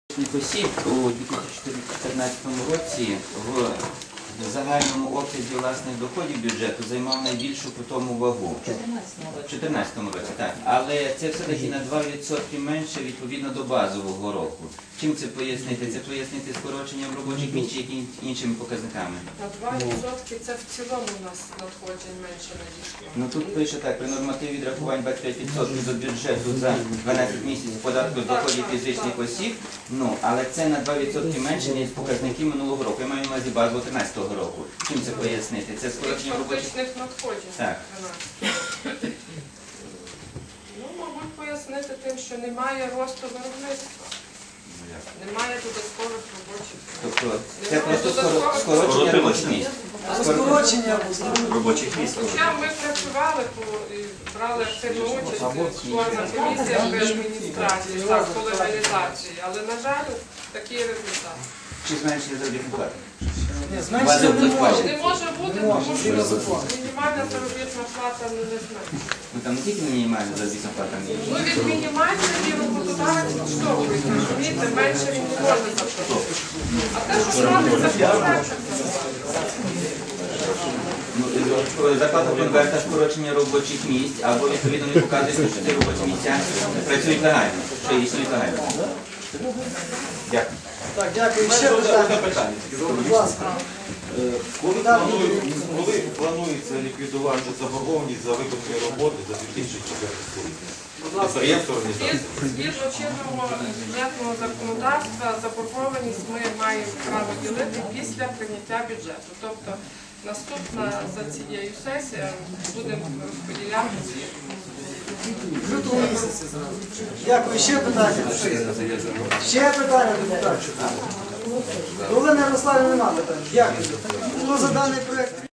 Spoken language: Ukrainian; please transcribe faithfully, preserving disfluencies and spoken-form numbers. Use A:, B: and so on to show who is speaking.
A: Осіб у дві тисячі чотирнадцятому році в загальному обсязі власних доходів бюджету займав найбільшу питому вагу. У дві тисячі чотирнадцятому році, так. Але це все-таки на два відсотки менше відповідно до базового року. Чим це пояснити? Це пояснити скороченням робочих місць чи якимись іншими показниками?
B: На два відсотки це в цілому у нас надходжень менше надійшло.
A: Ну тут пише так, при нормативі відрахувань двадцять п'ять відсотків до бюджету за дванадцять місяців податку з доходів фізичних осіб, ну, але це на два відсотки менше, ніж показники минулого року. Я маю на увазі базу тринадцятого року. Чим це пояснити? Це скорочення робочих...
B: Фактичних надходжень.
A: Так.
B: Ну, мабуть, пояснити тим, що немає росту виробництва. Немає додаткових робочих місць.
A: Тобто це просто скоро- скорочення робочих місць.
C: Скорочення
D: робочих місць.
B: Хоча ми працювали, по- і брали активну участь в створена комісія при адміністрації так, по легалізації, але, на жаль, такий результат.
A: Чи зменшення заробітної плати?
C: Ні, зменшення не може.
B: Не може бути, тому що мінімальна заробітна плата не зменшується.
A: Ну там не тільки мінімальна заробітна плата.
B: Ну, від мінімальної роботодавець відштовхується, розумієте, менше він не може заплатити. А те, що робиться, це проект.
A: Ну, зарплата конверта скорочення робочих місць, або відповідно не показує, що ці робочі місця працюють легально, що існують легально. Дякую.
C: Так, дякую. Ще питання. Будь ласка.
D: Коли планує- Коли планується ліквідувати заборгованість за виконані роботи за дві тисячі четвертий рік? Підприємство, організація.
B: Згідно чинного бюджетного законодавства, заборгованість ми маємо право ділити після прийняття бюджету. Тобто наступна за цією сесією будемо розподіляти ці.
C: Дякую. Ще питання. Ще питання, депутат. Олена Ярославівна, нема питань. Дякую. Хто за даний проєкт?